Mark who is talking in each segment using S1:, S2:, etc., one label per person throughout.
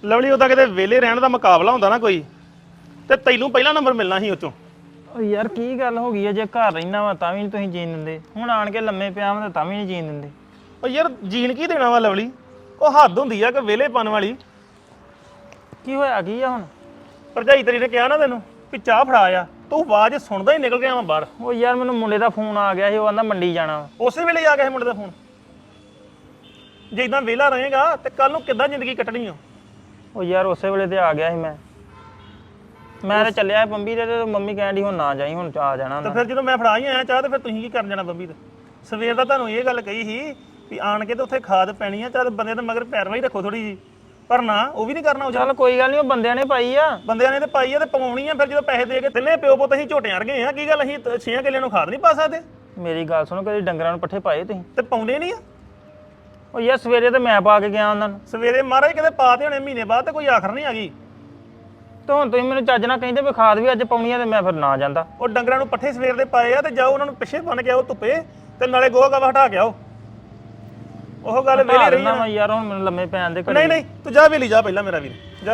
S1: Lovely ਉਹਦਾ ਕਿਤੇ ਵਿਹਲੇ ਰਹਿਣ ਦਾ ਮੁਕਾਬਲਾ ਹੁੰਦਾ ਨਾ ਕੋਈ ਤੇ ਤੈਨੂੰ ਪਹਿਲਾ ਨੰਬਰ ਮਿਲਣਾ ਸੀ ਉਤੋਂ।
S2: ਓ ਯਾਰ ਕੀ ਗੱਲ ਹੋ ਗਈ ਹੈ ਜੇ ਘਰ ਰਹਿਣਾ ਵਾ ਤਾਂ ਵੀ ਨਹੀਂ ਤੁਸੀਂ ਜੀਣ ਦਿੰਦੇ, ਹੁਣ ਆਣ ਕੇ ਲੰਮੇ ਪਿਆ ਵਾ ਤਾਂ ਵੀ ਨਹੀਂ ਜੀਣ ਦਿੰਦੇ।
S1: ਉਹ ਯਾਰ ਜੀਣ ਕੀ ਦੇਣਾ ਵਾ ਲਵਲੀ, ਉਹ ਹੱਦ ਹੁੰਦੀ ਆ ਕਿ ਵਿਹਲੇਪਨ ਵਾਲੀ।
S2: ਕੀ ਹੋਇਆ ਕੀ ਆ ਹੁਣ?
S1: ਭਰਜਾਈ ਤੇਰੀ ਨੇ ਕਿਹਾ ਨਾ ਤੈਨੂੰ ਵੀ ਚਾਹ ਫੜਾ ਆ, ਤੂੰ ਆਵਾਜ਼ ਸੁਣਦਾ ਹੀ ਨਿਕਲ ਗਿਆ ਵਾ ਬਾਹਰ।
S2: ਉਹ ਯਾਰ ਮੈਨੂੰ ਮੁੰਡੇ ਦਾ ਫੋਨ ਆ ਗਿਆ ਸੀ, ਉਹ ਕਹਿੰਦਾ ਮੰਡੀ ਜਾਣਾ ਵਾ।
S1: ਉਸੇ ਵੇਲੇ ਆ ਗਿਆ ਸੀ ਮੁੰਡੇ ਦਾ ਫੋਨ। ਜੇ ਇਦਾਂ ਵਿਹਲਾ ਰਹੇਗਾ ਤੇ ਕੱਲ ਨੂੰ ਕਿੱਦਾਂ ਜ਼ਿੰਦਗੀ ਕੱਟਣੀ ਆ?
S2: ਉਹ ਯਾਰ ਉਸੇ ਵੇਲੇ ਤੇ ਆ ਗਿਆ ਸੀ ਮੈਂ ਤੇ ਚੱਲਿਆ ਬੰਬੀ ਤੇ ਮੰਮੀ ਕਹਿਣ ਡਈ ਹੁਣ ਨਾ ਜਾਈ, ਹੁਣ ਆ ਜਾਣਾ।
S1: ਤੇ ਫਿਰ ਜਦੋਂ ਮੈਂ ਫੜਾ ਹੀ ਆਇਆ ਚਾਹ ਤੇ ਫਿਰ ਤੁਸੀਂ ਕੀ ਕਰਨ ਜਾਣਾ ਬੰਬੀ ਤੇ? ਸਵੇਰ ਦਾ ਤੁਹਾਨੂੰ ਇਹ ਗੱਲ ਕਹੀ ਸੀ ਵੀ ਆਣ ਕੇ ਤੇ ਉੱਥੇ ਖਾਦ ਪੈਣੀ ਆ, ਚੱਲ ਬੰਦੇ ਦੇ ਮਗਰ ਪੈਰਵਾਈ ਰੱਖੋ ਥੋੜੀ ਜੀ, ਪਰ ਨਾ ਉਹ ਵੀ ਨਹੀਂ ਕਰਨਾ।
S2: ਚੱਲ ਕੋਈ ਗੱਲ ਨਹੀਂ, ਉਹ ਬੰਦਿਆਂ ਨੇ ਪਾਈ ਆ,
S1: ਬੰਦਿਆਂ ਨੇ ਤੇ ਪਾਈ ਆ ਤੇ ਪਵਾਉਣੀ ਆ। ਫਿਰ ਜਦੋਂ ਪੈਸੇ ਦੇ ਕੇ ਤਿੰਨੇ ਪਿਓ ਪੁੱਤ ਅਸੀਂ ਝੋਟਿਆਂ ਵਰਗੇ ਆ, ਕੀ ਗੱਲ ਅਸੀਂ 6 ਕਿੱਲਿਆਂ ਨੂੰ ਖਾਦ ਨਹੀਂ ਪਾ ਸਕਦੇ?
S2: ਮੇਰੀ ਗੱਲ ਸੁਣੋ, ਕਦੇ ਡੰਗਰਾਂ ਨੂੰ ਪੱਠੇ ਪਾਏ ਤੁਸੀਂ?
S1: ਤੇ ਪਾਉਂਦੇ ਨਹੀਂ ਆ।
S2: ਉਹ ਯਾਰ ਸਵੇਰੇ ਤੇ ਮੈਂ ਪਾ ਕੇ ਗਿਆ ਉਹਨਾਂ ਨੂੰ।
S1: ਸਵੇਰੇ ਮਹਾਰਾਜ ਕਿਤੇ ਪਾ ਤੇ ਹੋਣੇ ਮਹੀਨੇ ਬਾਅਦ ਤੇ ਕੋਈ ਆਖਰ ਨਹੀਂ ਆ ਗਈ।
S2: ਤੇ ਹੁਣ ਤੁਸੀਂ ਮੈਨੂੰ ਚੱਜ ਨਾਲ ਕਹਿੰਦੇ ਵੀ ਖਾਦ ਵੀ ਅੱਜ ਪਾਉਣੀ ਆ ਤੇ ਮੈਂ ਫਿਰ ਨਾ ਜਾਂਦਾ।
S1: ਉਹ ਡੰਗਰਾਂ ਨੂੰ ਪੱਠੇ ਸਵੇਰ ਦੇ ਪਾਏ ਆ ਤੇ ਜਾਓ ਉਹਨਾਂ ਨੂੰ ਪਿੱਛੇ ਬੰਨ ਕੇ ਆਓ ਧੁੱਪੇ ਤੇ ਨਾਲੇ ਗੋਹਾ ਗਾਵਾ ਹਟਾ ਕੇ ਆਓ। ਉਹ ਗੱਲ ਵੇਲੇ ਰਹੀ
S2: ਨਾ ਯਾਰ, ਹੁਣ ਮੈਨੂੰ ਲੰਮੇ ਪੈਣ ਦੇ।
S1: ਨਹੀਂ ਤੂੰ ਜਾ ਵੇਲੀ ਜਾ ਪਹਿਲਾਂ ਮੇਰਾ ਵੀਰ ਜਾ।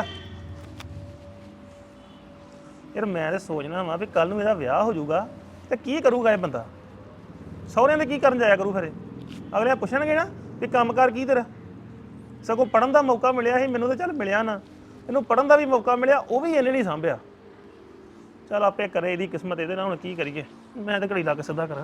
S1: ਯਾਰ ਮੈਂ ਤੇ ਸੋਚਣਾ ਵਾ ਵੀ ਕੱਲ ਨੂੰ ਇਹਦਾ ਵਿਆਹ ਹੋ ਜਾਊਗਾ ਤੇ ਕੀ ਕਰੂਗਾ ਇਹ ਬੰਦਾ? ਸਹੁਰਿਆਂ ਦੇ ਕੀ ਕਰਨ ਜਾਇਆ ਕਰੂ? ਫਿਰ ਅਗਲੇ ਪੁੱਛਣਗੇ ਨਾ ਵੀ ਕੰਮਕਾਰ ਕੀ ਤੇਰਾ? ਸਗੋਂ ਪੜਨ ਦਾ ਮੌਕਾ ਮਿਲਿਆ ਸੀ ਮੈਨੂੰ, ਤਾਂ ਚੱਲ ਮਿਲਿਆ ਨਾ, ਇਹਨੂੰ ਪੜਨ ਦਾ ਵੀ ਮੌਕਾ ਮਿਲਿਆ, ਉਹ ਵੀ ਇਹਨੇ ਨਹੀਂ ਸਾਂਭਿਆ। ਚੱਲ ਆਪੇ ਕਰੇ, ਇਹਦੀ ਕਿਸਮਤ ਇਹਦੇ ਨਾਲ, ਹੁਣ ਕੀ ਕਰੀਏ? ਮੈਂ ਤਾਂ ਘੜੀ ਲਾ ਕੇ ਸਿੱਧਾ ਕਰਾਂ।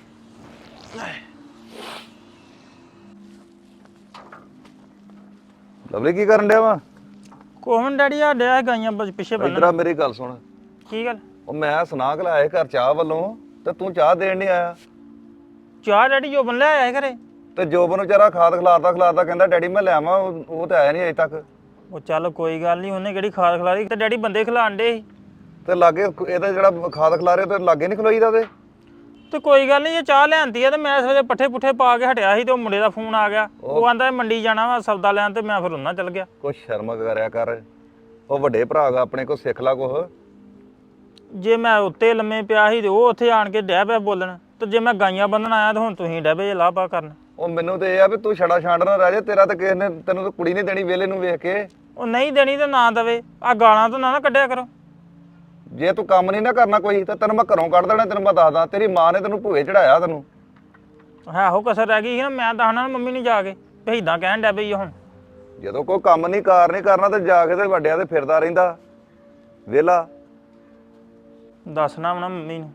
S3: ਲਵਲੀ ਕੀ ਕਰਨ ਡਿਆ ਵਾ?
S2: ਕੋਹਨ ਡੈਡੀ ਆ ਡਿਆ ਗਾਈਆਂ ਪਿੱਛੇ ਬੰਨਣ।
S3: ਇਧਰ ਮੇਰੀ ਗੱਲ ਸੁਣ।
S2: ਕੀ ਗੱਲ?
S3: ਉਹ ਮੈਂ ਸੁਣਾ ਕੇ ਲਾਇਆ ਘਰ ਚਾਹ ਵੱਲੋਂ ਤੇ ਤੂੰ ਚਾਹ ਦੇਣ ਨਹੀਂ ਆਇਆ।
S2: ਚਾਹ ਡੈਡੀ ਜੋ ਬਣ ਲਿਆ ਆਇਆ ਘਰੇ।
S3: ਤੇ ਜੋਬਨ ਵਿਚਾਰਾ ਖਾਦ ਖਿਲਾਰਦਾ ਕਹਿੰਦਾ ਡੈਡੀ ਮੈਂ ਲੈ ਆਵਾਂ, ਉਹ ਤੇ ਆਇਆ ਨਹੀਂ ਅਜੇ ਤੱਕ।
S2: ਉਹ ਚੱਲ ਕੋਈ ਗੱਲ ਨਹੀਂ, ਉਹਨੇ ਕਿਹੜੀ ਖਾਦ ਖਿਲਾਰੀ ਤੇ ਡੈਡੀ ਬੰਦੇ ਖਿਲਾਣ ਡੇ ਸੀ।
S3: ਤੇ ਲਾਗੇ ਇਹਦਾ ਜਿਹੜਾ ਖਾਦ ਖਿਲਾਰੇ ਤੇ ਲਾਗੇ ਨਹੀਂ ਖਲੋਈਦਾ
S2: ਤੇ ਕੋਈ ਗੱਲ ਨਹੀਂ, ਜੇ ਚਾਹ ਲਿਆਂਦੀ ਆ ਤੇ ਮੈਂ ਸਵੇਰੇ ਪੱਠੇ ਪੁੱਠੇ ਪਾ ਕੇ ਹਟਿਆ ਸੀ ਤੇ ਉਹ ਮੁੰਡੇ ਦਾ ਫੋਨ ਆ ਗਿਆ। ਉਹ ਆਂਦਾ ਮੰਡੀ ਜਾਣਾ ਵਾ ਸੌਦਾ ਲੈਣ, ਤੇ ਮੈਂ ਫਿਰ ਉਹਨਾਂ ਚੱਲ ਗਿਆ।
S3: ਕੁਛ ਸ਼ਰਮ ਕਰਿਆ ਕਰ, ਉਹ ਵੱਡੇ ਭਰਾ ਗਾ ਆਪਣੇ, ਕੋ ਸਿੱਖ ਲਾ ਕੁਛ।
S2: ਜੇ ਮੈਂ ਉੱਤੇ ਲੰਮੇ ਪਿਆ ਸੀ ਤੇ ਉਹ ਉੱਥੇ ਆਣ ਕੇ ਡਹਿ ਪਿਆ ਬੋਲਣ, ਤੇ ਜੇ ਮੈਂ ਗਾਈਆਂ ਬੰਨਣ ਆਇਆ ਤੇ ਹੁਣ ਤੁਸੀਂ ਡਹਿ ਪਏ ਲਾਪਾ ਕਰਨ।
S3: ਉਹ ਮੈਨੂੰ ਤੇ ਇਹ ਆ ਵੀ ਤੂੰ ਛੜਾ ਛਾਂਡ ਨਾ ਰਹਿ ਜਾ, ਤੇਰਾ ਤਾਂ ਕਿਸੇ ਨੇ ਤੈਨੂੰ ਤਾਂ ਕੁੜੀ ਨਹੀਂ ਦੇਣੀ ਵੇਲੇ ਨੂੰ ਵੇਖ ਕੇ।
S2: ਉਹ ਨਹੀਂ ਦੇਣੀ ਤੇ ਨਾ ਦਵੇ, ਆ ਗਾਲਾਂ ਤੋਂ ਨਾ ਕੱਢਿਆ ਕਰੋ।
S3: ਜੇ ਤੂੰ ਕੰਮ ਨਹੀਂ ਨਾ ਕਰਨਾ ਕੋਈ ਤਾਂ ਤੈਨੂੰ ਮੈਂ ਘਰੋਂ ਕੱਢ ਦੇਣਾ, ਤੈਨੂੰ ਮੈਂ ਦੱਸਦਾ। ਤੇਰੀ ਮਾਂ ਨੇ ਤੈਨੂੰ ਭੂਏ ਚੜਾਇਆ ਤੈਨੂੰ।
S2: ਆਹੋ ਕਸਰ ਰਹਿ ਗਈ ਸੀ ਨਾ, ਮੈਂ ਦੱਸਣਾ ਮੰਮੀ ਨੂੰ ਜਾ ਕੇ ਵੀ ਏਦਾਂ ਕਹਿਣ ਡਿਆ ਪਈ ਹੁਣ।
S3: ਜਦੋਂ ਕੋਈ ਕੰਮ ਨਹੀਂ ਕਾਰ ਨਹੀਂ ਕਰਨਾ ਤੇ ਜਾ ਕੇ ਤੇ ਵੱਡਿਆਂ ਤੇ ਫਿਰਦਾ ਰਹਿੰਦਾ ਵੇਲਾ।
S2: ਦੱਸਣਾ ਵਾ ਨਾ ਮੰਮੀ ਨੂੰ।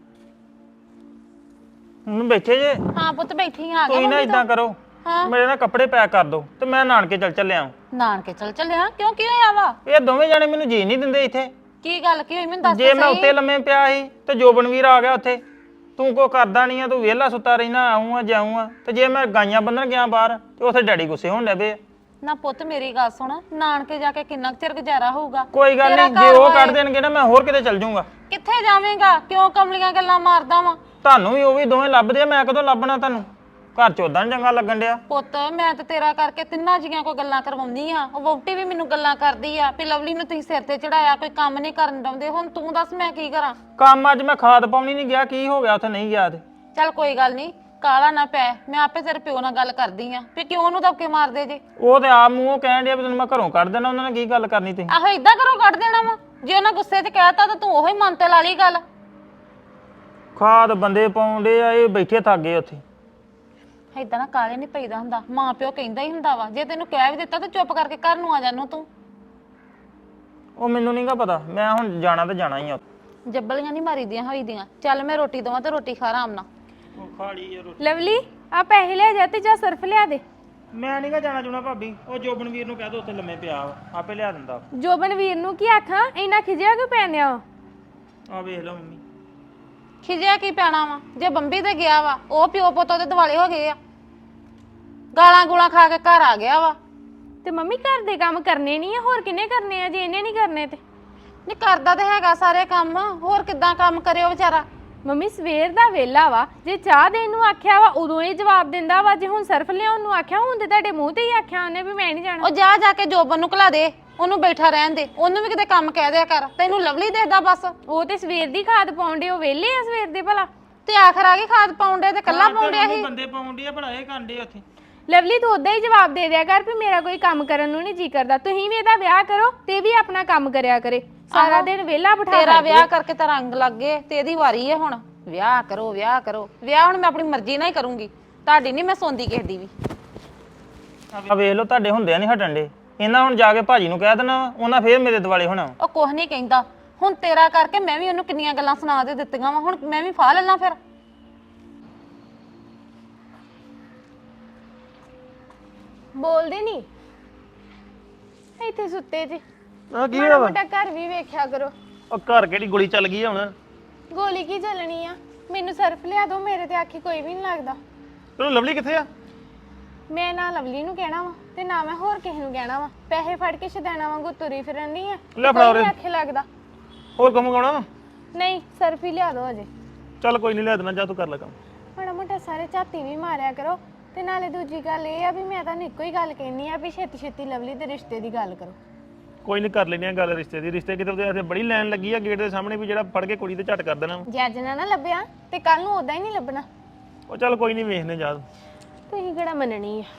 S2: ਹੁਣ ਬੈਠੇ ਜੇ?
S4: ਹਾਂ ਪੁੱਤ ਬੈਠੀ ਆ।
S2: ਕੋਈ ਨਾ ਇਦਾਂ ਕਰੋ, ਮੇਰੇ ਨਾਲ ਕੱਪੜੇ ਪੈਕ ਕਰ ਦੋ ਤੇ ਮੈਂ ਨਾਨਕੇ ਚੱਲਿਆ।
S4: ਨਾਨਕੇ ਚੱਲਿਆ? ਕਿਉਂ ਕੀ ਹੋਇਆ ਵਾ?
S2: ਇਹ ਦੋਵੇਂ ਜਾਣੇ ਮੈਨੂੰ ਜੀ ਨਹੀਂ ਦਿੰਦੇ ਇੱਥੇ।
S4: ਕੀ ਗੱਲ ਕੀ ਹੋਈ ਮੈਨੂੰ ਦੱਸ।
S2: ਜੇ ਮੈਂ ਉੱਤੇ ਲੰਮੇ ਪਿਆ ਸੀ ਤੇ ਜੋਬਨਵੀਰ ਆ ਗਿਆ ਉੱਥੇ, ਤੂੰ ਕੋ ਕਰਦਾ ਨਹੀਂ ਆ, ਤੂੰ ਵਿਹਲਾ ਸੁੱਤਾ ਰਹਿਣਾ, ਆਉਂ ਆ ਜਾਉਂ ਆ। ਤੇ ਜੇ ਮੈਂ ਗਾਈਆਂ ਬੰਨਣ ਗਿਆ ਬਾਹਰ ਤੇ ਉੱਥੇ ਡੈਡੀ ਗੁੱਸੇ ਹੋਣ ਲੱਗ ਪਏ।
S4: ਨਾ ਪੁੱਤ ਮੇਰੀ ਗੱਲ ਸੁਣ, ਨਾਨਕੇ ਜਾ ਕੇ ਕਿੰਨਾ ਚਿਰ ਗੁਜ਼ਾਰਾ ਹੋਊਗਾ?
S2: ਕੋਈ ਗੱਲ ਨਹੀਂ, ਜੇ ਉਹ ਕੱਢ ਦੇਣਗੇ ਨਾ ਮੈਂ ਹੋਰ ਕਿਤੇ ਚੱਲ ਜਾਊਂਗਾ।
S4: ਕਿੱਥੇ ਜਾਵੇਂਗਾ? ਕਿਉਂ ਕਮਲੀਆਂ ਗੱਲਾਂ ਮਾਰਦਾ ਵਾ?
S2: ਤੁਹਾਨੂੰ ਵੀ ਉਹ ਵੀ ਦੋਵੇਂ ਲੱਭਦੇ ਆ, ਮੈਂ ਕਦੋਂ ਲੱਭਣਾ ਤੁਹਾਨੂੰ? ਘਰ ਚ ਉਦਾਂ ਚੰਗਾ ਲੱਗਣ ਡਿਆ।
S4: ਪੁੱਤ ਮੈਂ ਤੇ ਤੇਰਾ ਕਰਕੇ ਤਿੰਨਾਂ ਜੀਆਂ ਕੋਈ ਗੱਲਾਂ ਕਰਵਾਉਂਦੀ ਆ। ਉਹ ਵਹੁਟੀ ਵੀ ਮੈਨੂੰ ਗੱਲਾਂ ਕਰਦੀ ਆ ਵੀ ਲਵਲੀ ਨੂੰ ਤੁਸੀਂ ਸਿਰ ਤੇ ਚੜਾਇਆ, ਕੋਈ ਕੰਮ ਨਹੀਂ ਕਰਨ ਦਿੰਦੇ। ਹੁਣ ਤੂੰ ਦੱਸ ਮੈਂ ਕੀ ਕਰਾਂ?
S2: ਕੰਮ ਅੱਜ ਮੈਂ ਖਾਦ ਪਾਉਣੀ ਨਹੀਂ ਗਿਆ, ਕੀ ਹੋ ਗਿਆ ਉੱਥੇ ਨਹੀਂ ਗਿਆ ਤੇ?
S4: ਚੱਲ ਕੋਈ ਗੱਲ ਨਹੀਂ, ਕਾਲਾ ਨਾ ਪੈ, ਮੈਂ ਆਪੇ ਤੇਰੇ ਪਿਓ ਨਾਲ ਗੱਲ ਕਰਦੀ ਆ ਵੀ ਕਿਉਂ ਉਹਨੂੰ ਧੱਕੇ ਮਾਰਦੇ ਜੇ।
S2: ਉਹ ਤੇ ਆਪ ਮੂੰਹੋਂ ਕਹਿਣ ਡਿਆ ਵੀ ਤੈਨੂੰ ਮੈਂ ਘਰੋਂ ਕੱਢ ਦੇਣਾ। ਉਹਨਾਂ ਨੇ ਕੀ ਗੱਲ ਕਰਨੀ ਤੁਸੀਂ?
S4: ਆਹੋ ਇਦਾਂ ਕਰੋ ਕੱਢ ਦੇਣਾ ਵਾ? ਜੇ ਉਹਨਾਂ ਗੁੱਸੇ 'ਚ ਕਹਿਤਾ ਤਾਂ ਤੂੰ ਉਹੀ ਮਨ ਤੇ ਲਾ ਲਈ ਗੱਲ।
S2: ਖਾਦ ਬੰਦੇ ਪਾਉਂਦੇ ਆ, ਇਹ ਬੈਠੇ ਥੱਕ ਗਏ ਉੱਥੇ।
S4: ਏਦਾਂ ਨਾ ਕਾਲੇ ਨਹੀਂ ਪਈਦਾ ਹੁੰਦਾ, ਮਾਂ ਪਿਓ ਕਹਿੰਦਾ ਹੀ ਹੁੰਦਾ ਵਾ। ਜੇ ਤੈਨੂੰ ਕਹਿ ਵੀ ਦਿੱਤਾ ਤਾਂ ਚੁੱਪ ਕਰਕੇ ਘਰ ਨੂੰ ਆ ਜਾਨੂੰ ਤੂੰ।
S2: ਉਹ ਮੈਨੂੰ ਨਹੀਂਗਾ ਪਤਾ, ਮੈਂ ਹੁਣ ਜਾਣਾ ਤੇ ਜਾਣਾ ਹੀ ਆ।
S4: ਜੱਬਲੀਆਂ ਨਹੀਂ ਮਾਰੀਦੀਆਂ ਹੋਈਦੀਆਂ। ਚੱਲ ਮੈਂ ਰੋਟੀ ਦਵਾਂ ਤੇ ਰੋਟੀ ਖਾ ਆਰਾਮ ਨਾਲ।
S2: ਉਹ ਖਾ ਲਈ ਰੋਟੀ।
S5: ਲਵਲੀ ਆ ਪੈਸੇ ਲੈ ਜਾ ਤੇ ਜਾ ਸਰਫ ਲਿਆ ਦੇ।
S2: ਮੈਂ ਨਹੀਂਗਾ ਜਾਣਾ ਚੁਣਾ ਭਾਬੀ, ਉਹ ਜੋਬਨਵੀਰ ਨੂੰ ਕਹਿ ਦੋ ਉੱਥੇ ਲੰਮੇ ਪਿਆ ਵਾ, ਆਪੇ ਲਿਆ ਦਿੰਦਾ।
S5: ਜੋਬਨਵੀਰ ਨੂੰ ਕੀ ਆਖਾਂ, ਇੰਨਾ ਖਿਜਿਆ ਕਿਉਂ ਪੈਨਿਆ?
S2: ਆ ਵੇਖ ਲਓ ਮੰਮੀ।
S4: ਖਿਜਿਆ ਕੀ ਪੈਣਾ ਵਾ? ਜੇ ਬੰਬੀ ਤੇ ਗਿਆ ਵਾ, ਉਹ ਪਿਓ ਪੁੱਤ ਉਹਦੇ ਦਿਵਾਲੇ ਹੋ ਗਏ ਆ, ਗਾਲਾਂ ਗੂਲਾਂ ਖਾ ਕੇ ਘਰ ਆ ਗਿਆ ਵਾ।
S5: ਤੇ ਮੰਮੀ ਘਰ ਦੇ ਕੰਮ ਕਰਨੇ ਨਹੀਂ ਆ, ਹੋਰ ਕਿੰਨੇ ਕਰਨੇ ਆ? ਜੇ ਇਹਨੇ ਨਹੀਂ ਕਰਨੇ ਤੇ
S4: ਨਹੀਂ ਕਰਦਾ ਤੇ ਹੈਗਾ ਸਾਰੇ ਕੰਮ, ਹੋਰ ਕਿੱਦਾਂ ਕੰਮ ਕਰਿਓ ਵਿਚਾਰਾ?
S5: ਮੰਮੀ ਸਵੇਰ ਦਾ ਵੇਲਾ ਵਾ, ਜੇ ਚਾਹ ਦੇਣ ਨੂੰ ਆਖਿਆ ਵਾ ਉਦੋਂ ਇਹ ਜਵਾਬ ਦਿੰਦਾ ਵਾ, ਜੇ ਹੁਣ ਸਰਫ ਲਿਆਉਣ ਨੂੰ ਆਖਿਆ ਹੁਣ ਤੇ ਤੁਹਾਡੇ ਮੂੰਹ ਤੇ ਹੀ ਆਖਿਆ ਉਹਨੇ ਵੀ ਮੈਂ ਨਹੀਂ ਜਾਣਾ।
S4: ਉਹ ਜਾ ਕੇ ਜੋਬਨ ਨੂੰ ਘਲਾ ਦੇ, ਉਹਨੂੰ ਬੈਠਾ ਰਹਿਣ ਦੇ, ਉਹਨੂੰ ਵੀ ਕਿਤੇ ਕੰਮ ਕਹਿ ਦਿਆ ਕਰ। ਤੈਨੂੰ ਲਵਲੀ ਦੇਖਦਾ ਬਸ।
S5: ਉਹ ਤੇ ਸਵੇਰ ਦੀ ਖਾਦ ਪਾਉਂਦੇ, ਉਹ ਵੇਲੇ ਆ ਸਵੇਰ ਦੇ ਭਲਾ।
S4: ਤੇ ਆਖਰ ਆ ਗਈ ਖਾਦ ਪਾਉਂਦੇ ਤੇ ਕੱਲਾ ਪਾਉਂਦਿਆ ਸੀ।
S2: ਬੰਦੇ ਪਾਉਂਦੇ ਆ, ਬੜਾਏ ਕਾਂਡੇ ਉੱਥੇ।
S5: ਲਵਲੀ ਤੂੰ ਉਦਾਂ ਹੀ ਜਵਾਬ ਦੇ ਦਿਆ ਕਰ ਵੀ ਮੇਰਾ ਕੋਈ ਕੰਮ ਕਰਨ ਨੂੰ ਨਹੀਂ ਜੀ ਕਰਦਾ। ਤੁਸੀਂ ਵੀ ਇਹਦਾ ਵਿਆਹ ਕਰੋ ਤੇ ਵੀ ਆਪਣਾ ਕੰਮ ਕਰਿਆ ਕਰੇ। ਸਾਰਾ ਦਿਨ ਵਿਹਲਾ ਬਿਠਾ
S4: ਤੇਰਾ ਵਿਆਹ ਕਰਕੇ ਤਾਂ ਰੰਗ ਲੱਗ ਗਏ ਤੇ ਇਹਦੀ ਵਾਰੀ ਹੈ ਹੁਣ। ਵਿਆਹ ਕਰੋ ਵਿਆਹ ਕਰੋ। ਵਿਆਹ ਹੁਣ ਮੈਂ ਆਪਣੀ ਮਰਜ਼ੀ ਨਾਲ ਹੀ ਕਰੂੰਗੀ, ਤੁਹਾਡੀ ਨਹੀਂ ਮੈਂ ਸੁਣਦੀ ਕਿਸੇ ਦੀ ਵੀ।
S2: ਆ ਵੇਖ ਲਓ ਤੁਹਾਡੇ ਹੁੰਦਿਆਂ ਨਹੀਂ ਹਟਣ ਦੇ। ਇਹਨਾਂ ਹੁਣ ਜਾ ਕੇ ਭਾਜੀ ਨੂੰ ਕਹਿ ਦੇਣਾ, ਉਹਨਾਂ ਫੇਰ ਮੇਰੇ ਦਿਵਾਲੇ ਹੋਣਾ।
S4: ਉਹ ਕੁਝ ਨਹੀਂ ਕਹਿੰਦਾ। ਹੁਣ ਤੇਰਾ ਕਰਕੇ ਮੈਂ ਵੀ ਉਹਨੂੰ ਕਿੰਨੀਆਂ ਗੱਲਾਂ ਸੁਣਾ ਦੇ ਦਿੱਤੀਆਂ ਵਾ, ਹੁਣ ਮੈਂ ਵੀ ਫਾਹ ਲੈਣਾ ਫਿਰ।
S5: ਬੋਲਦੇ ਨਹੀਂ ਇੱਥੇ ਸੁੱਤੇ ਜੀ।
S1: ਆ ਕੀ
S5: ਮਾੜਾ
S1: ਹੋਇਆ
S5: ਮੋਟਾ ਘਰ ਵੀ ਵੇਖਿਆ ਕਰੋ।
S1: ਉਹ ਘਰ ਕਿਹੜੀ ਗੋਲੀ ਚੱਲ ਗਈ ਆ ਹੁਣ?
S5: ਗੋਲੀ ਕੀ ਚੱਲਣੀ ਆ? ਮੈਨੂੰ ਸਰਫ ਲਿਆ ਦਿਓ, ਮੇਰੇ ਤੇ ਆਖੀ ਕੋਈ ਵੀ ਨਹੀਂ ਲੱਗਦਾ।
S1: ਤੈਨੂੰ ਲਵਲੀ ਕਿੱਥੇ ਆ?
S5: ਮੈਂ ਨਾ ਲਵਲੀ ਨੂੰ ਕਹਿਣਾ ਵਾ ਤੇ ਨਾ ਮੈਂ ਹੋਰ ਕਿਸੇ ਨੂੰ ਕਹਿਣਾ ਵਾ। ਪੈਸੇ ਫੜ ਕੇ ਛਦਾਣਾ ਵਾਂਗੂ ਤੁਰੀ ਫਿਰਨ ਨਹੀਂ ਆ।
S1: ਲੈ ਫੜਾ ਉਰੇ।
S5: ਆਖੇ ਲੱਗਦਾ
S1: ਹੋਰ ਕੰਮ ਗਾਉਣਾ?
S5: ਨਹੀਂ, ਸਰਫ ਹੀ ਲਿਆ ਦਿਓ ਅਜੇ।
S1: ਚੱਲ ਕੋਈ ਨਹੀਂ, ਲਿਆ ਦੇਣਾ, ਜਾ ਤੂੰ ਕਰ ਲੈ ਕੰਮ।
S5: ਮਾੜਾ ਮੋਟਾ ਸਾਰੇ ਝਾਤੀ ਵੀ ਮਾਰਿਆ ਕਰੋ। ਤੇ ਨਾਲੇ ਦੂਜੀ ਗੱਲ ਇਹ ਆ ਵੀ ਮੈਂ ਤੁਹਾਨੂੰ ਇੱਕੋ ਹੀ ਗੱਲ ਕਹਿਨੀ ਆ ਵੀ ਛੇਤੀ ਛੇਤੀ ਲਵਲੀ ਦੇ ਰਿਸ਼ਤੇ ਦੀ ਗੱਲ ਕਰੋ।
S1: ਕੋਈ ਨਹੀਂ, ਕਰ ਲੈਣੀ ਆ ਗੱਲ ਰਿਸ਼ਤੇ ਦੀ। ਰਿਸ਼ਤੇ ਕਿਤੇ ਉਹਦੇ ਬੜੀ ਲਾਈਨ ਲੱਗੀ ਆ ਗੇਟ ਦੇ ਸਾਹਮਣੇ ਵੀ ਜਿਹੜਾ ਫੜ ਕੇ ਕੁੜੀ ਤੇ ਝਟ ਕਰ ਦੇਣਾ।
S5: ਜੇ ਅੱਜ ਨਾ ਲੱਭਿਆ ਤੇ ਕੱਲ ਨੂੰ ਉਦਾਂ ਹੀ ਨਹੀਂ ਲੱਭਣਾ।
S1: ਉਹ ਚੱਲ ਕੋਈ ਨਹੀਂ, ਵੇਖਨੇ ਜਾ।
S5: ਤੁਸੀਂ ਕਿਹੜਾ ਮੰਨਣੀ ਆ?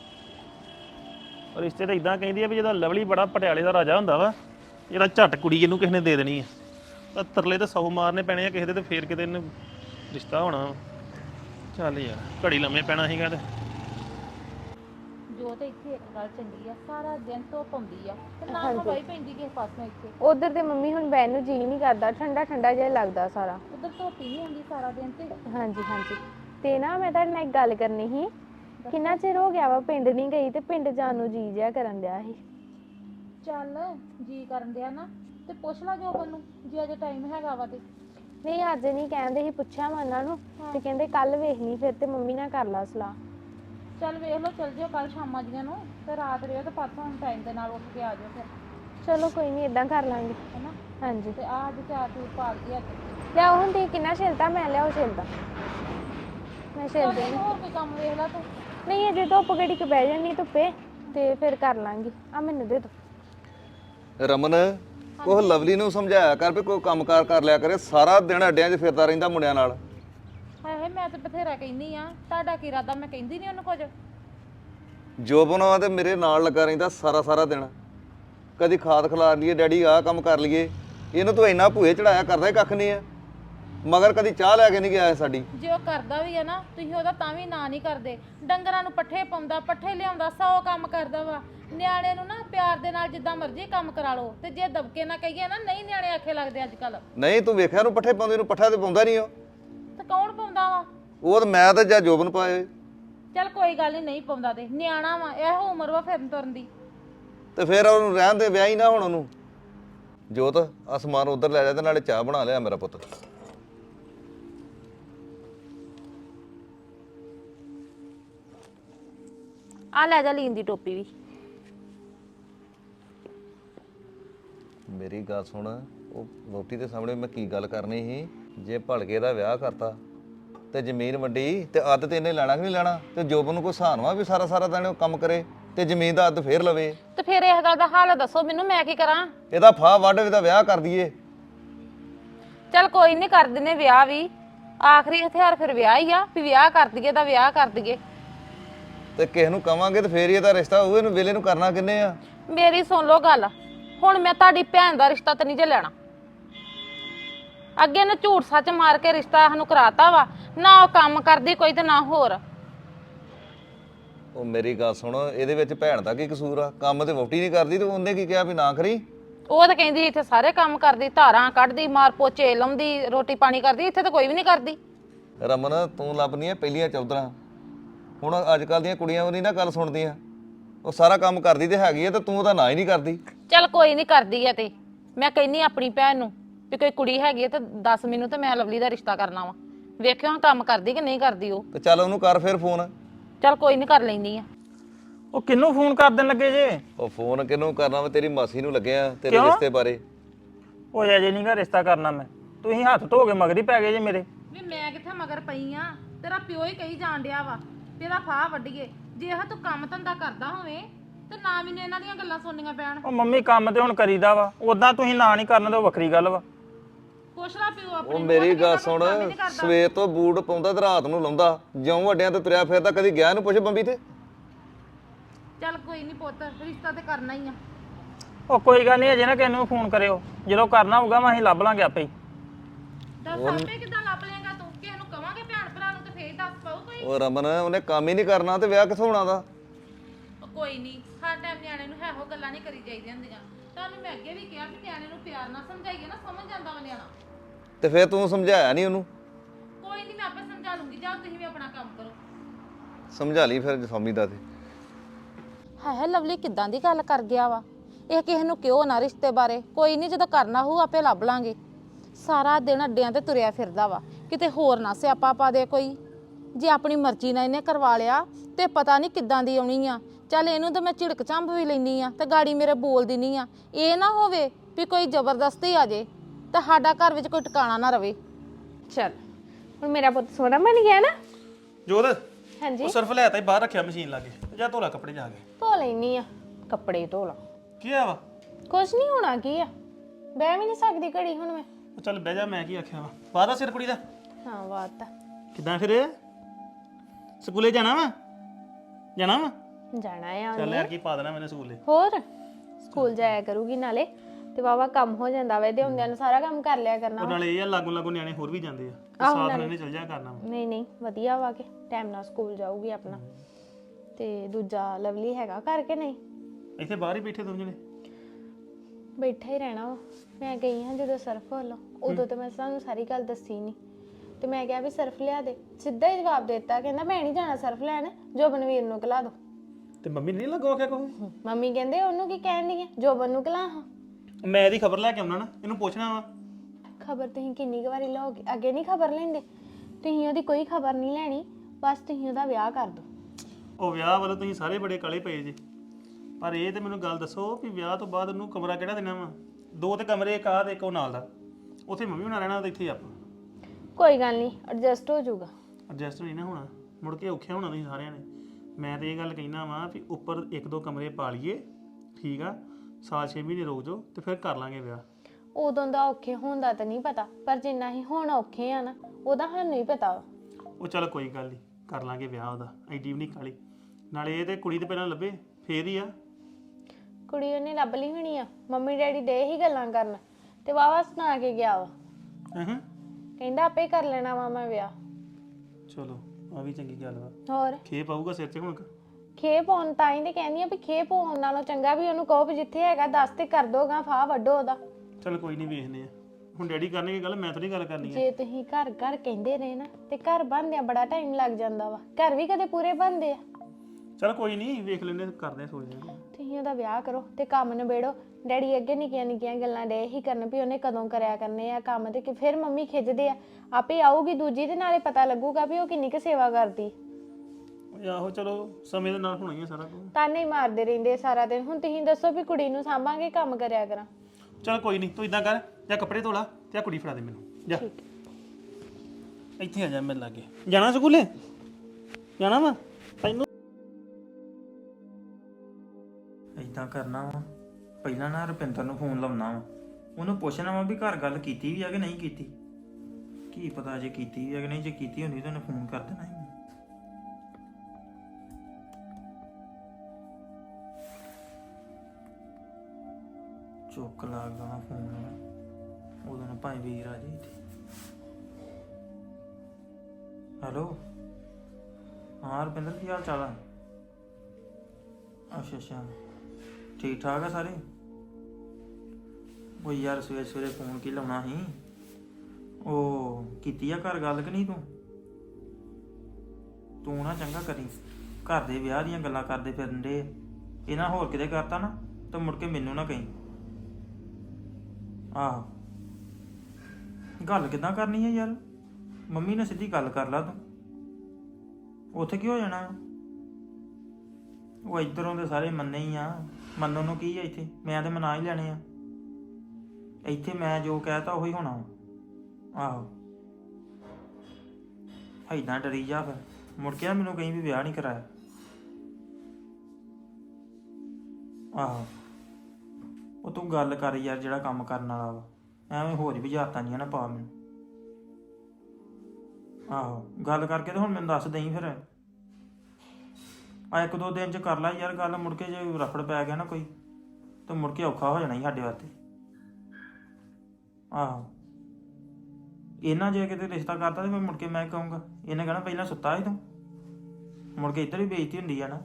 S1: ਰਿਸ਼ਤੇ ਤਾਂ ਇਦਾਂ ਕਹਿੰਦੀ ਆ ਵੀ ਜਿਹਦਾ ਲਵਲੀ ਬੜਾ ਪਟਿਆਲੇ ਦਾ ਰਾਜਾ ਹੁੰਦਾ ਵਾ, ਜਿਹੜਾ ਝਟ ਕੁੜੀ ਇਹਨੂੰ ਕਿਸੇ ਨੇ ਦੇ ਦੇਣੀ ਆ। ਤਾਂ ਤਰਲੇ ਤਾਂ 100 ਮਾਰਨੇ ਪੈਣੇ ਆ ਕਿਸੇ ਦੇ, ਤੇ ਫੇਰ ਕਿਤੇ ਇਹਨੂੰ ਰਿਸ਼ਤਾ ਹੋਣਾ। ਚੱਲ ਯਾਰ, ਘੜੀ ਲੰਮੇ ਪੈਣਾ ਸੀਗਾ ਤੇ
S6: ਜੋ ਤੇ ਇੱਥੇ ਇੱਕ ਗੱਲ ਚੰਗੀ ਆ, ਸਾਰਾ ਦਿਨ ਧੁੱਪ ਆਉਂਦੀ ਆ ਤੇ ਨਾ ਹਵਾ ਹੀ ਪੈਂਦੀ ਕਿਸੇ ਪਾਸੋਂ। ਇੱਥੇ
S5: ਉਧਰ ਤੇ ਮੰਮੀ ਹੁਣ ਬੈਨ ਨੂੰ ਜੀ ਨਹੀਂ ਕਰਦਾ, ਠੰਡਾ ਠੰਡਾ ਜਿਹਾ ਲੱਗਦਾ ਸਾਰਾ।
S6: ਉਧਰ ਧੁੱਪ ਹੀ ਨਹੀਂ ਆਉਂਦੀ ਸਾਰਾ ਦਿਨ ਤੇ।
S5: ਹਾਂਜੀ ਹਾਂਜੀ। ਤੇ ਨਾ ਮੈਂ ਤੁਹਾਡੇ ਨਾਲ ਇੱਕ ਗੱਲ ਕਰਨੀ ਸੀ। ਕਿੰਨਾ ਚਿਰ ਹੋ ਗਿਆ ਵਾ ਪਿੰਡ ਨਹੀਂ ਗਈ ਤੇ ਪਿੰਡ ਜਾਣ ਨੂੰ ਜੀ ਜਿਆ ਕਰਨ ਡਿਆ ਸੀ।
S6: ਚੱਲ ਜੀ ਕਰਨ ਦਿਆ ਨਾ ਤੇ ਪੁੱਛ ਲਾ ਜੋਬਨ ਨੂੰ ਜੇ ਅਜੇ ਟਾਈਮ ਹੈਗਾ ਵਾ ਤੇ।
S5: ਨਹੀਂ ਅੱਜ ਨਹੀਂ ਕਹਿੰਦੇ ਸੀ, ਪੁੱਛਿਆ ਮੈਂ ਉਹਨਾਂ ਨੂੰ ਤੇ ਕਹਿੰਦੇ ਕੱਲ ਵੇਖਣੀ ਫਿਰ ਤੇ ਮੰਮੀ ਨਾਲ ਕਰ ਲਾ ਸਲਾਹ।
S6: ਚੱਲ ਵੇਖ ਲਓ, ਚੱਲ ਜਿਓ ਕੱਲ ਸ਼ਾਮਾਂ ਜੀਆਂ ਨੂੰ ਤੇ ਰਾਤ ਰਿਓ ਤੇ ਪਰਸੋਂ ਹੁਣ ਟਾਈਮ ਦੇ ਨਾਲ ਉੱਠ ਕੇ ਆ ਜਿਓ ਫਿਰ,
S5: ਚਲੋ ਕੋਈ ਨਹੀਂ, ਇਦਾਂ ਕਰ ਲਾਂਗੇ।
S6: ਹੈਨਾ।
S5: ਹਾਂਜੀ
S6: ਤੇ ਆ ਅੱਜ ਚਾਰ ਚੂਰ ਪਾ ਲਈਏ ਅੱਜ।
S5: ਲਿਆਓ ਹੁਣ ਤੇ ਕਿੰਨਾ ਛਿਲਤਾ, ਮੈਂ ਲਿਆਓ ਛਿਲਤਾ, ਮੈਂ ਛਿਲ
S6: ਚੱਲ
S5: ਦੇਣੀ।
S6: ਹੋਰ ਕੋਈ ਕੰਮ ਵੇਖ ਲਾ ਤੂੰ।
S5: ਨਹੀਂ ਅਜੇ ਧੁੱਪ ਘੜੀ ਕ ਬਹਿ ਜਾਣੀ ਧੁੱਪੇ ਤੇ ਫਿਰ ਕਰ ਲਾਂਗੀ। ਆ ਮੈਨੂੰ ਦੇ ਦੋ।
S3: ਰਮਨ, ਉਹ ਲਵਲੀ ਨੂੰ ਸਮਝਾਇਆ ਕਰ ਵੀ ਕੋਈ ਕੰਮਕਾਰ ਕਰ ਲਿਆ ਕਰੇ। ਸਾਰਾ ਦਿਨ ਅੱਡਿਆਂ 'ਚ ਫਿਰਦਾ ਰਹਿੰਦਾ ਮੁੰਡਿਆਂ ਨਾਲ।
S6: ਹਾਏ ਮੈਂ ਤੇ ਬਥੇਰਾ ਕਹਿੰਦੀ ਆ, ਤੁਹਾਡਾ ਕੀ ਇਰਾਦਾ? ਮੈਂ ਕਹਿੰਦੀ ਨਹੀਂ ਉਹਨੂੰ ਕੁਝ।
S3: ਜੋਬਨ ਆ ਤੇ ਮੇਰੇ ਨਾਲ ਲੱਗਾ ਰਹਿੰਦਾ ਸਾਰਾ ਦਿਨ। ਕਦੀ ਖਾਦ ਖਿਲਾਰ ਲਈਏ, ਡੈਡੀ ਆਹ ਕੰਮ ਕਰ ਲਈਏ। ਇਹਨੂੰ ਤੂੰ ਇੰਨਾ ਭੂਏ ਚੜਾਇਆ, ਕਰਦਾ ਹੀ ਕੱਖ ਨਹੀਂ ਆ। ਮਗਰ ਕਦੀ ਚਾਹ ਲੈ ਕੇ ਨਹੀਂ ਗਿਆ ਸਾਡੀ।
S6: ਜੇ ਉਹ ਕਰਦਾ ਵੀ ਆ ਨਾ, ਤੁਸੀਂ ਉਹਦਾ ਤਾਂ ਵੀ ਨਾਂ ਨਹੀਂ ਕਰਦੇ। ਡੰਗਰਾਂ ਨੂੰ ਪੱਠੇ ਪਾਉਂਦਾ, ਪੱਠੇ ਲਿਆਉਂਦਾ, 100 ਕੰਮ ਕਰਦਾ ਵਾ। ਨਿਆਣੇ ਨੂੰ ਨਾ ਪਿਆਰ ਦੇ ਨਾਲ ਜਿੱਦਾਂ ਮਰਜ਼ੀ ਕੰਮ ਕਰਾ ਲਓ, ਤੇ ਜੇ ਦਬਕੇ ਨਾ ਕਹੀਏ ਨਾ, ਨਹੀਂ ਨਿਆਣੇ ਆਖੇ ਲੱਗਦੇ ਅੱਜ ਕੱਲ।
S3: ਨਹੀਂ ਤੂੰ ਵੇਖਿਆ ਉਹਨੂੰ ਪੱਠੇ ਪਾਉਂਦੇ ਨੂੰ? ਪੱਠਾ ਤੇ ਪਾਉਂਦਾ ਨਹੀਂ ਉਹ।
S6: ਤੇ ਕੌਣ ਪਾਉਂਦਾ ਵਾ?
S3: ਉਹ ਤਾਂ ਮੈਂ ਤਾਂ ਜਾਂ ਜੋਬਨ ਪਾਏ।
S6: ਚੱਲ ਕੋਈ ਗੱਲ ਨਹੀਂ ਪਾਉਂਦਾ ਤੇ ਨਿਆਣਾ ਵਾ, ਇਹੋ ਉਮਰ ਵਾ ਫਿਰਨ ਤੁਰਨ ਦੀ।
S3: ਤੇ ਫਿਰ ਉਹਨੂੰ ਰਹਿਣ ਦੇ, ਵਿਆਹ ਹੀ ਨਾ ਹੁਣ ਉਹਨੂੰ। ਜੋਤ, ਅਸਮਾਨ ਉਧਰ ਲੈ ਜਾ ਤੇ ਨਾਲੇ ਚਾਹ ਬਣਾ ਲਿਆ ਮੇਰਾ ਪੁੱਤ।
S4: ਆ ਲੈ ਜਾ ਲੀਨ ਦੀ ਟੋਪੀ ਵੀ।
S3: ਮੇਰੀ ਗੱਲ ਸੁਣ, ਉਹ ਵੋਟੀ ਦੇ ਸਾਹਮਣੇ ਮੈਂ ਕੀ ਗੱਲ ਕਰਨੀ ਸੀ। ਜੇ ਭਲਕੇ ਦਾ ਵਿਆਹ ਕਰਤਾ ਤੇ ਜ਼ਮੀਨ ਵੰਡੀ ਤੇ ਅੱਧ ਤੇ ਇਹਨੇ ਲੈਣਾ ਕਿ ਨਹੀਂ ਲੈਣਾ? ਤੇ ਜੋਬਨ ਨੂੰ ਕੋਈ ਸਹਾਨਵਾ ਵੀ ਸਾਰਾ ਦਿਨ ਉਹ ਕੰਮ ਕਰੇ ਤੇ ਜ਼ਮੀਨ ਦਾ ਅੱਧ ਫੇਰ ਲਵੇ।
S4: ਤੇ ਫਿਰ ਇਸ ਗੱਲ ਦਾ ਹਾਲ ਦੱਸੋ ਮੈਨੂੰ, ਮੈਂ ਕੀ ਕਰਾਂ?
S3: ਇਹਦਾ ਫਾਹ ਵੱਢ ਇਹਦਾ ਵਿਆਹ ਕਰ ਦਈਏ।
S4: ਚੱਲ ਕੋਈ ਨਹੀਂ, ਕਰ ਦਿੰਨੇ ਵਿਆਹ ਵੀ। ਆਖਰੀ ਹਥਿਆਰ ਫਿਰ ਵਿਆਹ ਹੀ ਆ, ਵੀ ਵਿਆਹ ਕਰ ਦਈਏ ਤਾਂ ਵਿਆਹ ਕਰ ਦਈਏ।
S3: ਤੇ ਕਿਸੇ ਨੂੰ ਕਵਾਂਗੇ ਤੇ ਫੇਰ ਹੀ ਇਹਦਾ ਰਿਸ਼ਤਾ ਹੋਊ। ਇਹਨੂੰ ਵੇਲੇ ਨੂੰ ਕਰਨਾ ਕਿੰਨੇ ਆ?
S4: ਮੇਰੀ ਸੁਣ ਲਓ ਗੱਲ, ਹੁਣ ਮੈਂ ਤੁਹਾਡੀ ਭੈਣ ਦਾ ਰਿਸ਼ਤਾ ਤਾਂ ਨਹੀਂ ਜੇ ਲੈਣਾ। ਅੱਗੇ ਨੂੰ ਝੂਠ ਸੱਚ ਮਾਰ ਕੇ ਰਿਸ਼ਤਾ ਸਾਨੂੰ ਕਰਾਤਾ ਵਾ, ਨਾ ਉਹ ਕੰਮ ਕਰਦੀ ਕੋਈ ਤੇ ਨਾ ਹੋਰ।
S3: ਉਹ ਮੇਰੀ ਗੱਲ ਸੁਣ, ਇਹਦੇ ਵਿੱਚ ਭੈਣ ਦਾ ਕੀ ਕਸੂਰ ਆ? ਕੰਮ ਤੇ ਵੋਟੀ ਨਹੀਂ ਕਰਦੀ ਤੇ ਉਹਨੇ ਕੀ ਕਿਹਾ ਵੀ ਨਾ ਕਰੀ?
S4: ਉਹ ਤਾਂ ਕਹਿੰਦੀ ਇੱਥੇ ਸਾਰੇ ਕੰਮ ਕਰਦੀ, ਧਾਰਾਂ ਕੱਢਦੀ, ਮਾਰ ਪੋਚੇ ਲਾਉਂਦੀ, ਰੋਟੀ ਪਾਣੀ ਕਰਦੀ, ਇੱਥੇ ਤਾਂ ਕੋਈ ਵੀ ਨਹੀਂ ਕਰਦੀ।
S3: ਰਮਨ, ਤੂੰ ਲੱਭਦੀਆਂ ਪਹਿਲੀਆਂ ਚੌਧਰਾਂ। ਹੁਣ ਅੱਜ ਕੱਲ ਦੀਆਂ ਕੁੜੀਆਂ ਉਹ ਨਹੀਂ ਨਾ ਗੱਲ ਸੁਣਦੀਆਂ। ਉਹ ਸਾਰਾ ਕੰਮ ਕਰਦੀ ਤੇ ਹੈਗੀ ਆ ਤੇ ਤੂੰ ਉਹਦਾ ਨਾਂ ਹੀ ਨਹੀਂ ਕਰਦੀ।
S4: ਚੱਲ ਕੋਈ ਨਹੀਂ ਕਰਦੀ ਆ। ਤੇ ਮੈਂ ਕਹਿੰਨੀ ਆਪਣੀ ਭੈਣ ਨੂੰ ਵੀ ਕੋਈ ਕੁੜੀ ਹੈਗੀ ਆ ਤੇ ਦੱਸ ਮੈਨੂੰ, ਤੇ ਮੈਂ ਲਵਲੀ ਦਾ ਰਿਸ਼ਤਾ ਕਰਨਾ ਵਾ। ਵੇਖਿਓ ਹਾਂ ਕੰਮ ਕਰਦੀ ਕਿ ਨਹੀਂ ਕਰਦੀ ਉਹ।
S3: ਤੇ ਚੱਲ ਉਹਨੂੰ ਕਰ ਫਿਰ ਫੋਨ।
S4: ਚੱਲ ਕੋਈ ਨਹੀਂ, ਕਰ ਲੈਂਦੀ ਆ।
S2: ਉਹ ਕਿਹਨੂੰ ਫੋਨ ਕਰ ਦੇਣ ਲੱਗੇ ਜੇ?
S3: ਉਹ ਫੋਨ ਕਿਹਨੂੰ ਕਰਨਾ? ਮੈਂ ਤੇਰੀ ਮਾਸੀ ਨੂੰ ਲੱਗਿਆ ਤੇਰੇ ਰਿਸ਼ਤੇ ਬਾਰੇ।
S2: ਉਹ ਅਜੇ ਨਹੀਂਗਾ ਰਿਸ਼ਤਾ ਕਰਨਾ ਮੈਂ। ਤੁਸੀਂ ਹੱਥ ਧੋ ਕੇ ਮਗਰੀ ਪੈ ਗਏ ਜੇ ਮੇਰੇ।
S6: ਵੀ ਮੈਂ ਕਿੱਥੇ ਮਗਰ ਪਈ ਆ? ਤੇਰਾ ਪਿਓ ਹੀ ਕਹੀ ਜਾਣ ਡਿਆ ਵਾ ਤੇਰਾ ਫਾਹ ਵੱਢੀਏ। ਜੇ ਇਹ ਤੂੰ ਕੰਮ ਧੰਦਾ ਕਰਦਾ ਹੋਵੇ ਤੇ ਨਾ ਮੈਨੂੰ ਇਹਨਾਂ ਦੀਆਂ ਗੱਲਾਂ ਸੁਣਨੀਆਂ ਪੈਣ।
S2: ਉਹ ਮੰਮੀ ਕੰਮ ਤੇ ਹੁਣ ਕਰੀਦਾ ਵਾ, ਉਦਾਂ ਤੁਸੀਂ ਨਾ ਨਹੀਂ ਕਰਨਾ ਤੇ ਉਹ ਵੱਖਰੀ ਗੱਲ ਵਾ।
S6: ਪੁੱਛ ਲਾ ਪਿਓ ਆਪਣੇ
S3: ਉਹ
S6: ਨੂੰ,
S3: ਮੇਰੀ
S6: ਉਹਨੇ
S3: ਗੱਲ
S6: ਕਿਹਾ
S3: ਸੁਣ,
S6: ਕੰਮ ਹੀ ਨਹੀਂ ਕਰਦਾ।
S3: ਸਵੇਰ ਤੋਂ ਬੂਟ ਪਾਉਂਦਾ ਤੇ ਰਾਤ ਨੂੰ ਲਾਉਂਦਾ। ਜਿਉਂ ਵੱਡਿਆਂ ਤੇ ਤੁਰਿਆ ਫਿਰਦਾ, ਕਦੀ ਗਿਆ ਨੂੰ ਪੁੱਛ ਬੰਬੀ ਤੇ।
S6: ਕੋਈ ਨਹੀਂ ਪੁੱਤ ਰਿਸ਼ਤਾ ਤੇ ਕਰਨਾ ਹੀ ਆ।
S2: ਉਹ ਕੋਈ ਗੱਲ ਨਹੀਂ, ਅਜੇ ਨਾ ਕਿਸੇ ਨੂੰ ਫੋਨ ਕਰਿਓ, ਜਦੋਂ ਕਰਨਾ ਹੋਊਗਾ ਮੈਂ ਅਸੀਂ ਲੱਭ ਲਾਂਗੇ ਆਪੇ ਹੀ।
S6: ਦੱਸ ਆਪੇ ਕਿੱਦਾਂ ਲੱਭ ਲੇਗਾ ਤੂੰ? ਕਿਸੇ ਨੂੰ ਕਵਾਂਗੇ ਭੈਣ ਭਰਾ ਨੂੰ ਤੇ ਫੇਰ ਦੱਸ ਪਾਉ ਕੋਈ।
S3: ਉਹ ਰਮਨ ਉਹਨੇ ਕੰਮ ਹੀ ਨਹੀਂ ਕਰਨਾ ਤੇ ਵਿਆਹ ਕਿੱਥੋਂ ਹੋਣਾ ਦਾ?
S6: ਉਹ ਕੋਈ ਨਹੀਂ, ਹਰ ਟਾਈਮ ਨਿਆਣੇ ਨੂੰ ਇਹੋ ਗੱਲਾਂ ਨਹੀਂ ਕਰੀ ਜਾਈਦੀਆਂ ਹੁੰਦੀਆਂ। ਤੁਹਾਨੂੰ ਮੈਂ ਅੱਗੇ ਵੀ ਕਿਹਾ ਕਿ ਨਿਆਣੇ ਨੂੰ ਪਿਆਰ ਨਾਲ ਸਮਝਾਈਏ ਨਾ, ਸਮਝ ਜਾਂਦਾ ਵਾ ਨਿਆਣਾ।
S3: ਤੇ ਫਿਰ ਤੂੰ ਸਮਝਾਇਆ ਨਹੀਂ ਉਹਨੂੰ?
S6: ਕੋਈ ਨਹੀਂ, ਮੈਂ ਆਪੇ ਸਮਝਾ ਲੂੰਗੀ। ਜਾਓ ਤੁਸੀਂ ਵੀ ਆਪਣਾ ਕੰਮ ਕਰੋ।
S3: ਸਮਝਾ ਲਈ ਫਿਰ ਜਸੌਮੀ ਦਾ ਤੇ।
S4: ਹਾਏ ਲਵਲੀ ਕਿੱਦਾਂ ਦੀ ਗੱਲ ਕਰ ਗਿਆ ਵਾ ਇਹ? ਕਿਸੇ ਨੂੰ ਕਿਉਂ ਨਾ ਰਿਸ਼ਤੇ ਬਾਰੇ? ਕੋਈ ਨਹੀਂ, ਜਦੋਂ ਕਰਨਾ ਹੋਊ ਆਪੇ ਲੱਭ ਲਾਂਗੇ। ਸਾਰਾ ਦਿਨ ਅੱਡਿਆਂ ਤੇ ਤੁਰਿਆ ਫਿਰਦਾ ਵਾ, ਕਿਤੇ ਹੋਰ ਨਾ ਸਿਆਪਾ ਪਾ ਦੇ ਕੋਈ। ਜੇ ਆਪਣੀ ਮਰਜ਼ੀ ਨਾਲ ਇਹਨੇ ਕਰਵਾ ਲਿਆ ਤੇ ਪਤਾ ਨਹੀਂ ਕਿੱਦਾਂ ਦੀ ਆਉਣੀ ਆ। ਚੱਲ ਇਹਨੂੰ ਤਾਂ ਮੈਂ ਝਿੜਕ ਝੰਬ ਵੀ ਲੈਣੀ ਆ ਤੇ ਗਾੜੀ ਮੇਰੇ ਬੋਲਦੀ ਨਹੀਂ ਆ। ਇਹ ਨਾ ਹੋਵੇ ਵੀ ਕੋਈ ਜ਼ਬਰਦਸਤੀ ਆ ਜੇ ਤੇ ਸਾਡਾ ਘਰ ਵਿੱਚ ਕੋਈ ਟਿਕਾਣਾ ਨਾ ਰਵੇ।
S5: ਚਲ ਹੁਣ ਮੇਰਾ ਪੁੱਤ ਸੋਹਣਾ ਬਣ ਗਿਆ ਨਾ।
S1: ਜੋਤ
S5: ਹਾਂਜੀ
S1: ਉਹ ਸਰਫ ਲੈ ਤਾ ਬਾਹਰ ਰੱਖਿਆ ਮਸ਼ੀਨ ਲਾ ਕੇ, ਜਾ ਧੋਲਾ ਕੱਪੜੇ ਜਾ ਕੇ।
S5: ਧੋ ਲੈਣੀ ਆ ਕੱਪੜੇ, ਧੋ ਲਾ।
S1: ਕੀ ਆ ਵਾ?
S5: ਕੁਛ ਨਹੀਂ ਹੋਣਾ, ਕੀ ਆ ਬਹਿ ਵੀ ਨਹੀਂ ਸਕਦੀ ਘੜੀ ਹੁਣ ਮੈਂ।
S1: ਉਹ ਚੱਲ ਬਹਿ ਜਾ, ਮੈਂ ਕੀ ਆਖਿਆ ਵਾ। ਬਾਹਰ ਸਿਰ ਕੁੜੀ ਦਾ
S5: ਹਾਂ ਬਾਤ ਤਾਂ
S1: ਕਿੱਦਾਂ ਫਿਰ ਸਕੂਲੇ ਜਾਣਾ ਵਾ? ਜਾਣਾ ਵਾ?
S5: ਜਾਣਾ ਆ
S1: ਚੱਲ ਯਾਰ ਕੀ ਪਾ ਦੇਣਾ ਮੈਨੇ ਸਕੂਲੇ।
S5: ਹੋਰ ਸਕੂਲ ਜਾਇਆ ਕਰੂਗੀ ਨਾਲੇ ਤੇ ਵਾਵਾ ਕੰਮ ਹੋ ਜਾਂਦਾ ਵੇ ਤੇ ਹੁੰਦਿਆਂ ਨੂੰ ਸਾਰਾ ਕੰਮ ਕਰ ਲਿਆ ਕਰਨਾ।
S1: ਉਹ ਨਾਲੇ ਇਹ ਆ ਲਾਗੂ ਲਾਗੂ ਨਿਆਣੇ ਹੋਰ ਵੀ ਜਾਂਦੇ ਆ, ਸਾਥ ਨਾਲ ਇਹਨੇ ਚੱਲ ਜਾ ਕਰਨਾ ਵਾ।
S5: ਨਹੀਂ ਨਹੀਂ ਵਧੀਆ ਵਾ ਕੇ ਟਾਈਮ ਨਾਲ ਸਕੂਲ ਜਾਊਗੀ ਆਪਣਾ। ਤੇ ਦੂਜਾ ਲਵਲੀ ਹੈਗਾ ਘਰ ਕੇ ਨਹੀਂ?
S1: ਇੱਥੇ ਬਾਹਰ ਹੀ ਬੈਠੇ ਦੋਵੇਂ ਜਣੇ।
S5: ਬੈਠਾ ਹੀ ਰਹਿਣਾ ਵਾ। ਮੈਂ ਗਈ ਹਾਂ ਜਦੋਂ ਸਰਫ ਵੱਲੋਂ, ਉਦੋਂ ਤੇ ਮੈਂ ਤੁਹਾਨੂੰ ਸਾਰੀ ਗੱਲ ਦੱਸੀ ਨਹੀਂ ਤੇ ਮੈਂ ਕਿਹਾ ਵੀ ਸਰਫ ਲਿਆ ਦੇ, ਸਿੱਧਾ ਹੀ ਜਵਾਬ ਦੇ ਦਿੱਤਾ, ਕਹਿੰਦਾ ਮੈਂ ਨਹੀਂ ਜਾਣਾ ਸਰਫ ਲੈਣ, ਜੋਬਨਵੀਰ ਨੂੰ ਕਲਾ ਦੋ।
S1: ਤੇ ਮੰਮੀ ਨਹੀਂ ਲੱਗੋ ਆਖਿਆ ਕੋਈ?
S5: ਮੰਮੀ ਕਹਿੰਦੇ ਉਹਨੂੰ ਕੀ ਕਹਿਣ ਦੀ ਹੈ, ਜੋਬਨ ਨੂੰ ਕਲਾ। ਹਾਂ
S1: ਮੈਂ ਇਹਦੀ ਖਬਰ ਲੈ ਕੇ ਆਉਣਾ ਨਾ, ਇਹਨੂੰ ਪੁੱਛਣਾ ਵਾ।
S5: ਖਬਰ ਤੁਸੀਂ ਕਿੰਨੀ ਕੁ ਵਾਰੀ ਲਓਗੇ? ਅੱਗੇ ਨਹੀਂ ਖਬਰ ਲੈਂਦੇ ਤੁਸੀਂ, ਉਹਦੀ ਕੋਈ ਖਬਰ ਨਹੀਂ ਲੈਣੀ, ਬਸ ਤੁਸੀਂ ਉਹਦਾ ਵਿਆਹ ਕਰ ਦਿਓ।
S1: ਉਹ ਵਿਆਹ ਵਾਲਾ ਤੁਸੀਂ ਸਾਰੇ ਬੜੇ ਕਾਲੇ ਪਏ ਜੇ, ਪਰ ਇਹ ਤੇ ਮੈਨੂੰ ਗੱਲ ਦੱਸੋ ਵੀ ਵਿਆਹ ਤੋਂ ਬਾਅਦ ਉਹਨੂੰ ਕਮਰਾ ਕਿਹੜਾ ਦੇਣਾ ਵਾ? 2 ਤੇ ਕਮਰੇ, ਇੱਕ ਆਹ ਤੇ ਇੱਕ ਉਹ ਨਾਲ ਦਾ। ਉੱਥੇ ਮੰਮੀ ਹੁਣਾ ਰਹਿਣਾ ਤੇ ਇੱਥੇ ਆਪਾਂ।
S5: ਕੋਈ ਗੱਲ ਨਹੀਂ ਐਡਜਸਟ ਹੋ ਜਾਊਗਾ।
S1: ਐਡਜਸਟ ਨਹੀਂ ਨਾ ਹੋਣਾ, ਮੁੜ ਕੇ ਔਖਿਆ ਹੋਣਾ ਤੁਸੀਂ ਸਾਰਿਆਂ ਨੇ। ਮੈਂ ਤੇ ਇਹ ਗੱਲ ਕਹਿਣਾ ਵਾ ਵੀ ਉੱਪਰ 1-2 ਕਮਰੇ ਪਾ ਲਈਏ, ਠੀਕ ਆ, ਸਾਲ 6 ਮਹੀਨੇ ਰੁਕ ਜਾਓ ਤੇ ਫਿਰ ਕਰ ਲਾਂਗੇ ਵਿਆਹ।
S5: ਉਦੋਂ ਦਾ ਔਖੇ ਹੋਣ ਦਾ ਤਾਂ ਨਹੀਂ ਪਤਾ, ਪਰ ਜਿੰਨਾ ਹੀ ਹੁਣ ਔਖੇ ਆ ਨਾ ਉਹਦਾ ਸਾਨੂੰ ਹੀ ਪਤਾ ਵਾ।
S1: ਉਹ ਚੱਲ ਕੋਈ ਗੱਲ ਨਹੀਂ, ਕਰ ਲਾਂਗੇ ਵਿਆਹ ਉਹਦਾ, ਐਡੀ ਵੀ ਨਹੀਂ ਕਾਲੀ। ਨਾਲੇ ਇਹ ਤੇ ਕੁੜੀ ਤੇ ਪਹਿਲਾਂ ਲੱਭੇ ਫੇਰ ਹੀ ਆ।
S5: ਕੁੜੀ ਉਹਨੇ ਲੱਭ ਲਈ ਹੋਣੀ ਆ, ਮੰਮੀ ਡੈਡੀ ਦੇ ਹੀ ਗੱਲਾਂ ਕਰਨ ਤੇ ਵਾਵਾ ਸੁਣਾ ਕੇ ਗਿਆ ਵਾ,
S1: ਹਾਂ
S5: ਕਹਿੰਦਾ ਆਪੇ ਕਰ ਲੈਣਾ ਵਾ ਮੈਂ ਵਿਆਹ।
S1: ਚਲੋ ਆ ਵੀ ਚੰਗੀ ਗੱਲ ਵਾ।
S5: ਹੋਰ
S1: ਖੇ ਪਾਊਗਾ ਸਿਰ 'ਚ ਹੁਣ।
S5: ਖੇ ਪਾਉਣ ਤਾਂ ਹੀ ਤੇ ਕਹਿੰਦੀ ਆ ਵੀ ਖੇ ਪਾਉਣ ਨਾਲੋਂ ਚੰਗਾ ਵੀ ਉਹਨੂੰ ਕਹੋ ਵੀ ਜਿੱਥੇ ਹੈਗਾ ਦੱਸ ਤੇ ਕਰ ਦੋਗਾ, ਫਾਹ ਵੱਡੋ ਉਹਦਾ।
S1: ਚਲ ਕੋਈ ਨਹੀਂ, ਵੇਖਦੇ ਆ ਹੁਣ। ਡੈਡੀ ਕਰਨਗੇ ਗੱਲ, ਮੈਂ ਤਾਂ ਨਹੀਂ ਗੱਲ ਕਰਨੀ ਆ।
S5: ਜੇ ਤੁਸੀਂ ਘਰ ਘਰ ਕਹਿੰਦੇ ਰਹੇ ਨਾ ਤੇ ਘਰ ਬਣਦਿਆਂ ਬੜਾ ਟਾਈਮ ਲੱਗ ਜਾਂਦਾ ਵਾ, ਘਰ ਵੀ ਕਦੇ ਪੂਰੇ ਬਣਦੇ ਆ।
S1: ਚਲ ਕੋਈ ਨਹੀਂ, ਵੇਖ ਲੈਂਦੇ, ਕਰਦੇ ਆ, ਸੋਚਦੇ ਆ।
S5: ਤੁਸੀਂ ਉਹਦਾ ਵਿਆਹ ਕਰੋ ਤੇ ਕੰਮ ਨਿਬੇੜੋ। ਡੈਡੀ ਅੱਗੇ ਨਿੱਕੀਆਂ ਨਿੱਕੀਆਂ ਗੱਲਾਂ ਡੇ ਹੀ ਕਰਨ ਵੀ ਉਹਨੇ ਕਦੋਂ ਕਰਿਆ ਕਰਨੇ ਆ ਕੰਮ, ਤੇ ਕਿ ਫਿਰ ਮੰਮੀ ਖਿੱਚਦੇ ਆ। ਆਪੇ ਆਊਗੀ ਦੂਜੀ ਤੇ ਨਾਲੇ ਪਤਾ ਲੱਗੂਗਾ ਵੀ ਉਹ ਕਿੰਨੀ ਕੁ ਸੇਵਾ ਕਰਦੀ।
S1: ਆਹੋ ਚਲੋ ਸਮੇਂ ਦੇ ਨਾਲ ਹੋਣਾ ਹੀ ਆ ਸਾਰਾ ਕੁਝ।
S5: ਤਾਨੇ ਹੀ ਮਾਰਦੇ ਰਹਿੰਦੇ ਸਾਰਾ ਦਿਨ। ਹੁਣ ਤੁਸੀਂ ਦੱਸੋ ਵੀ ਕੁੜੀ ਨੂੰ ਸਾਂਭਾਂਗੇ ਕੰਮ ਕਰਿਆ ਕਰਾਂ।
S1: ਚਲ ਕੋਈ ਨਹੀਂ, ਤੂੰ ਇਦਾਂ ਕਰ, ਜਾਂ ਕੱਪੜੇ ਧੋ ਲਾ ਤੇ ਆ ਕੁੜੀ ਫੜਾ ਦੇ ਮੈਨੂੰ। ਜਾ ਇੱਥੇ ਆ ਜਾ ਮੇਰੇ ਲਾਗੇ। ਜਾਣਾ ਸਕੂਲੇ? ਜਾਣਾ ਵਾ ਤੈਨੂੰ?
S2: ਇਦਾਂ ਕਰਨਾ ਵਾ, ਪਹਿਲਾਂ ਨਾ ਰੁਪਿੰਦਰ ਨੂੰ ਫੋਨ ਲਾਉਣਾ ਵਾ, ਉਹਨੂੰ ਪੁੱਛਣਾ ਵਾ ਵੀ ਘਰ ਗੱਲ ਕੀਤੀ ਵੀ ਆ ਕਿ ਨਹੀਂ ਕੀਤੀ। ਕੀ ਪਤਾ ਜੇ ਕੀਤੀ ਵੀ ਆ ਕਿ ਨਹੀਂ, ਜੇ ਕੀਤੀ ਹੁੰਦੀ ਤਾਂ ਉਹਨੇ ਫੋਨ ਕਰ ਦੇਣਾ ਸੀ। ਚੁੱਕ ਲਾਗਾ ਫੋਨ, ਉਦੋਂ ਨਾ ਭਾਵੇਂ ਵੀਰ ਆ ਜੇ ਇੱਥੇ। ਹੈਲੋ, ਹਾਂ ਰੁਪਿੰਦਰ ਕੀ ਹਾਲ ਚਾਲ ਆ? ਅੱਛਾ ਅੱਛਾ, ਠੀਕ ਠਾਕ ਆ ਸਾਰੇ? ਉਹ ਯਾਰ ਸਵੇਰੇ ਸਵੇਰੇ ਫੋਨ ਕੀ ਲਾਉਣਾ ਸੀ? ਉਹ ਕੀਤੀ ਆ ਘਰ ਗੱਲ ਕਿ ਨਹੀਂ? ਤੂੰ ਨਾ ਚੰਗਾ ਕਰੀ, ਘਰ ਦੇ ਵਿਆਹ ਦੀਆਂ ਗੱਲਾਂ ਕਰਦੇ ਫਿਰਨ ਦੇ, ਇਹ ਨਾ ਹੋਰ ਕਿਤੇ ਕਰਤਾ ਨਾ ਤਾਂ ਮੁੜ ਕੇ ਮੈਨੂੰ ਨਾ ਕਹੀਂ। ਆਹੋ, ਗੱਲ ਕਿੱਦਾਂ ਕਰਨੀ ਹੈ ਯਾਰ? ਮੰਮੀ ਨਾਲ ਸਿੱਧੀ ਗੱਲ ਕਰ ਲਾ ਤੂੰ, ਉੱਥੇ ਕੀ ਹੋ ਜਾਣਾ? ਉਹ ਇੱਧਰੋਂ ਦੇ ਸਾਰੇ ਮੰਨੇ ਹੀ ਆ, ਮੰਨਣ ਨੂੰ ਕੀ ਆ ਇੱਥੇ? ਮੈਂ ਤੇ ਮਨਾ ਹੀ ਲੈਣੇ ਆ, ਇੱਥੇ ਮੈਂ ਜੋ ਕਹਿਤਾ ਉਹੀ ਹੋਣਾ ਵਾ। ਆਹੋ, ਏਦਾਂ ਡਰੀ ਜਾ ਫਿਰ, ਮੁੜ ਕੇ ਮੈਨੂੰ ਕहीं ਵੀ ਵਿਆਹ ਨਹੀਂ ਕਰਾਇਆ। ਆਹੋ, ਉਹ ਤੂੰ ਗੱਲ ਕਰ ਯਾਰ, ਜਿਹੜਾ ਕੰਮ ਕਰਨ ਵਾਲਾ ਵਾ, ਐਵੇਂ ਹੋਰ ਵੀ ਬੁਝਾਰਤਾਂ ਨਹੀਂ ਨਾ ਪਾ ਮੈਨੂੰ। ਆਹੋ, ਗੱਲ ਕਰਕੇ ਤੇ ਹੁਣ ਮੈਨੂੰ ਦੱਸ ਦੇਈਂ ਫਿਰ। ਆ ਇੱਕ ਦੋ ਦਿਨ ਚ ਕਰ ਲੈ ਯਾਰ ਗੱਲ, ਮੁੜ ਕੇ ਜੇ ਰਫੜ ਪੈ ਗਿਆ ਨਾ ਕੋਈ ਤਾਂ ਮੁੜ ਕੇ ਔਖਾ ਹੋ ਜਾਣਾ ਹੀ ਸਾਡੇ ਵਾਸਤੇ। ਆਹੋ ਇਹਨਾਂ ਜੇ ਕਿਤੇ ਰਿਸ਼ਤਾ ਕਰਤਾ ਤੇ ਫਿਰ ਮੁੜ ਕੇ ਮੈਂ ਕਹੂੰਗਾ ਇਹਨੇ ਕਹਿਣਾ ਪਹਿਲਾਂ ਸੁੱਤਾ ਸੀ ਤੂੰ, ਮੁੜ ਕੇ ਇੱਧਰ ਵੀ ਬੇਇੱਜ਼ਤੀ ਹੁੰਦੀ ਆ ਨਾ।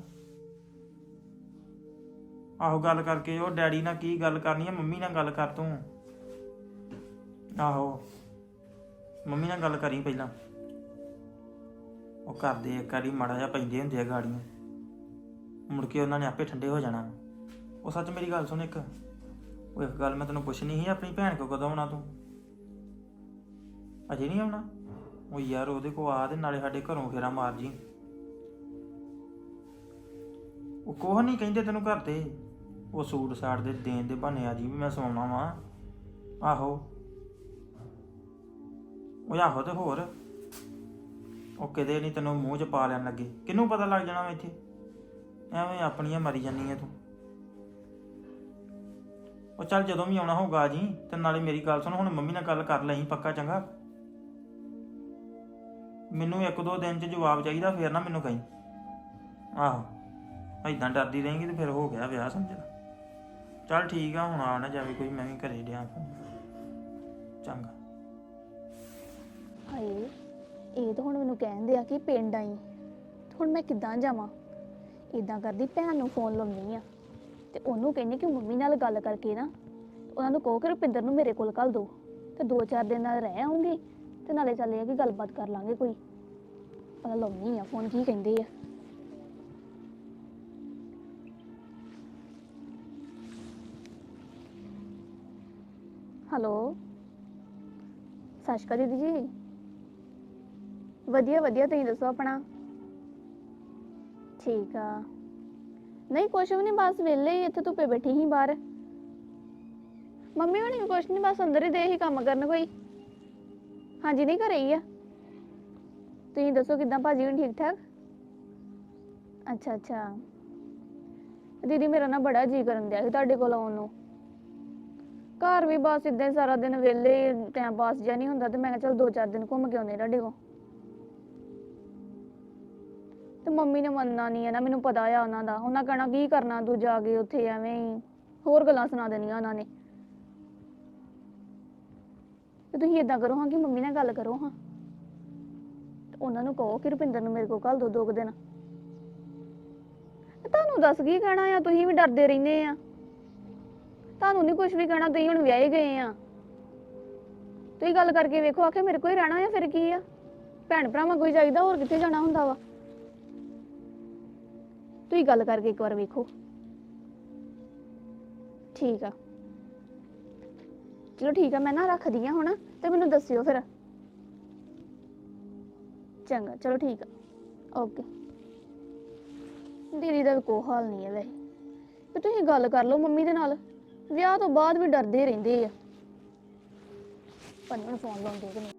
S2: ਆਹੋ ਗੱਲ ਕਰਕੇ ਉਹ ਡੈਡੀ ਨਾਲ ਕੀ ਗੱਲ ਕਰਨੀ ਆ, ਮੰਮੀ ਨਾਲ ਗੱਲ ਕਰ ਤੂੰ। ਆਹੋ ਮੰਮੀ ਨਾਲ ਗੱਲ ਕਰੀ ਪਹਿਲਾਂ, ਉਹ ਕਰਦੇ ਇੱਕ ਵਾਰੀ ਮਾੜਾ ਜਿਹਾ ਪੈਂਦੇ ਹੁੰਦੇ ਆ ਗਾੜੀਆਂ, ਮੁੜ ਕੇ ਉਹਨਾਂ ਨੇ ਆਪੇ ਠੰਡੇ ਹੋ ਜਾਣਾ। ਉਹ ਸੱਚ ਮੇਰੀ ਗੱਲ ਸੁਣ ਇੱਕ, ਉਹ ਇੱਕ ਗੱਲ ਮੈਂ ਤੈਨੂੰ ਪੁੱਛਣੀ ਸੀ, ਆਪਣੀ ਭੈਣ ਕੋਲ ਕਦੋਂ ਆਉਣਾ ਤੂੰ? ਅਜੇ ਨਹੀਂ ਆਉਣਾ? ਉਹ ਯਾਰ ਉਹਦੇ ਕੋਲ ਆ ਤੇ ਨਾਲੇ ਸਾਡੇ ਘਰੋਂ ਫੇਰਾ ਮਾਰ ਜੀ। ਉਹ ਕੋਹ ਨਹੀਂ ਕਹਿੰਦੇ ਤੈਨੂੰ ਘਰ ਦੇ, ਉਹ ਸੂਟ ਸਾਟ ਦੇ ਦੇਣ ਦੇ ਬਹਾਨੇ ਆ ਜੀ ਵੀ ਮੈਂ ਸਵਾਉਣਾ ਵਾਂ। ਆਹੋ ਉਹ ਆਹੋ ਤੇ ਹੋਰ ਉਹ ਕਿਤੇ ਨਹੀਂ ਤੈਨੂੰ ਮੂੰਹ 'ਚ ਪਾ ਲੈਣ ਲੱਗੇ, ਕਿਹਨੂੰ ਪਤਾ ਲੱਗ ਜਾਣਾ ਵਾ ਇੱਥੇ? ਐਵੇਂ ਆਪਣੀਆਂ ਮਰੀ ਜਾਂਦੀ ਹੈ ਤੂੰ। ਉਹ ਚੱਲ ਜਦੋਂ ਵੀ ਆਉਣਾ ਹੋਊਗਾ ਜੀ, ਤੇ ਨਾਲੇ ਮੇਰੀ ਗੱਲ ਸੁਣ, ਹੁਣ ਮੰਮੀ ਨਾਲ ਗੱਲ ਕਰ ਲਈ ਪੱਕਾ, ਚੰਗਾ? ਮੈਨੂੰ ਇੱਕ ਦੋ ਦਿਨ 'ਚ ਜਵਾਬ ਚਾਹੀਦਾ, ਫੇਰ ਨਾ ਮੈਨੂੰ ਕਹੀਂ। ਆਹੋ ਏਦਾਂ ਡਰਦੀ ਰਹੇਂਗੀ ਤੇ ਫਿਰ ਹੋ ਗਿਆ ਵਿਆਹ ਸਮਝ ਲਾ। ਚੱਲ ਠੀਕ ਆ, ਹੁਣ ਆ ਨਾ ਜਾਵੇ ਕੋਈ, ਮੈਂ ਵੀ ਘਰੇ ਡਿਆ ਫੋਨ। ਚੰਗਾ।
S5: ਹਾਏ ਇਹ ਤਾਂ ਹੁਣ ਮੈਨੂੰ ਕਹਿੰਦੇ ਆ ਕਿ ਪਿੰਡ ਆਈ, ਹੁਣ ਮੈਂ ਕਿੱਦਾਂ ਜਾਵਾਂ? ਇਦਾਂ ਕਰਦੀ ਭੈਣ ਨੂੰ ਫੋਨ ਲਾਉਣੀ ਆ ਤੇ ਉਹਨੂੰ ਕਹਿੰਦੀ ਕਿ ਮੰਮੀ ਨਾਲ ਗੱਲ ਕਰਕੇ ਨਾ ਉਹਨਾਂ ਨੂੰ ਕਹੋ ਕਿ ਰੁਪਿੰਦਰ ਨੂੰ ਮੇਰੇ ਕੋਲ ਘੱਲ ਦਿਓ, ਤੇ 2-4 ਦਿਨ ਨਾਲ ਰਹਿ ਆਉਂਗੀ ਤੇ ਨਾਲੇ ਚੱਲੇ ਆ ਕਿ ਗੱਲਬਾਤ ਕਰ ਲਾਂਗੇ ਕੋਈ। ਪਤਾ ਲਾਉਣੀ ਆ ਫੋਨ, ਕੀ ਕਹਿੰਦੇ ਆ। ਹੈਲੋ ਸਤਿ ਸ਼੍ਰੀ ਅਕਾਲ ਦੀਦੀ ਜੀ। ਵਧੀਆ ਵਧੀਆ, ਤੁਸੀਂ ਦੱਸੋ ਆਪਣਾ? ਠੀਕ ਆ। ਨਹੀਂ ਕੁਛ ਵੀ ਨਹੀਂ, ਬਸ ਵਿਹਲੇ ਹੀ ਇੱਥੇ ਧੁੱਪੇ ਬੈਠੀ ਸੀ ਬਾਹਰ। ਮੰਮੀ ਹੋਣੀ ਵੀ ਕੁਛ ਨਹੀਂ, ਬਸ ਅੰਦਰ ਹੀ ਦੇ ਹੀ ਕੰਮ ਕਰਨ ਕੋਈ। ਹਾਂਜੀ ਨਹੀਂ ਘਰੇ ਹੀ ਆ। ਤੁਸੀਂ ਦੱਸੋ ਕਿੱਦਾਂ ਭਾਜੀ ਹੁਣ ਠੀਕ ਠਾਕ? ਅੱਛਾ ਅੱਛਾ ਦੀਦੀ ਮੇਰਾ ਨਾ ਬੜਾ ਜੀਅ ਕਰਨ ਦਿਆ ਸੀ ਤੁਹਾਡੇ ਕੋਲ ਆਉਣ ਨੂੰ। ਘਰ ਵੀ ਬਸ ਇਦਾਂ ਹੀ ਸਾਰਾ ਦਿਨ ਵਿਹਲੇ, ਟਾਈਮ ਪਾਸ ਜਿਹਾ ਨਹੀਂ ਹੁੰਦਾ, ਤੇ ਮੈਂ ਕਿਹਾ ਚਲ 2-4 ਦਿਨ ਘੁੰਮ ਕੇ ਆਉਂਦੇ ਤੁਹਾਡੇ ਕੋਲ। ਤੇ ਮੰਮੀ ਨੇ ਮੰਨਣਾ ਨਹੀਂ ਹੈ ਨਾ, ਮੈਨੂੰ ਪਤਾ ਆ ਉਹਨਾਂ ਦਾ, ਉਹਨਾਂ ਕਹਿਣਾ ਕੀ ਕਰਨਾ ਤੂੰ ਜਾ ਕੇ ਉੱਥੇ, ਐਵੇਂ ਹੀ ਹੋਰ ਗੱਲਾਂ ਸੁਣਾ ਦੇਣੀਆਂ ਉਹਨਾਂ ਨੇ। ਤੇ ਤੁਸੀਂ ਏਦਾਂ ਕਰੋ ਹਾਂ ਕਿ ਮੰਮੀ ਨਾਲ ਗੱਲ ਕਰੋ ਹਾਂ, ਤੇ ਉਹਨਾਂ ਨੂੰ ਕਹੋ ਕਿ ਰੁਪਿੰਦਰ ਨੂੰ ਮੇਰੇ ਕੋਲ ਘੱਲ ਦੋ 2 ਦਿਨ। ਤੁਹਾਨੂੰ ਦੱਸ ਕੀ ਕਹਿਣਾ ਆ, ਤੁਸੀਂ ਵੀ ਡਰਦੇ ਰਹਿੰਦੇ ਆ। ਤੁਹਾਨੂੰ ਨਹੀਂ ਕੁਝ ਵੀ ਕਹਿਣਾ, ਤੁਸੀਂ ਹੁਣ ਵਿਆਹੇ ਗਏ ਆ। ਤੁਸੀਂ ਗੱਲ ਕਰਕੇ ਵੇਖੋ, ਆਖੇ ਮੇਰੇ ਕੋਲ ਹੀ ਰਹਿਣਾ ਆ, ਫਿਰ ਕੀ ਆ? ਭੈਣ ਭਰਾਵਾਂ ਕੋਈ ਚਾਹੀਦਾ, ਹੋਰ ਕਿੱਥੇ ਜਾਣਾ ਹੁੰਦਾ ਵਾ? ਤੁਸੀਂ ਗੱਲ ਕਰਕੇ ਇੱਕ ਵਾਰ ਵੇਖੋ। ਠੀਕ ਆ ਚਲੋ ਠੀਕ ਆ, ਮੈਂ ਨਾ ਰੱਖਦੀ ਆ ਹੁਣ, ਤੇ ਮੈਨੂੰ ਦੱਸਿਓ ਫਿਰ। ਚੰਗਾ ਚਲੋ ਠੀਕ ਆ, ਓਕੇ। ਦੀਦੀ ਦਾ ਵੀ ਕੋਈ ਹਾਲ ਨਹੀਂ ਹੈ ਵੈਸੇ, ਤੇ ਤੁਸੀਂ ਗੱਲ ਕਰ ਲਓ ਮੰਮੀ ਦੇ ਨਾਲ। ਵਿਆਹ ਤੋਂ ਬਾਅਦ ਵੀ ਡਰਦੇ ਰਹਿੰਦੇ ਆ। ਪਰ ਮੈਨੂੰ ਫੋਨ ਲਾਉਂਦੇ ਕਿ ਨਹੀਂ।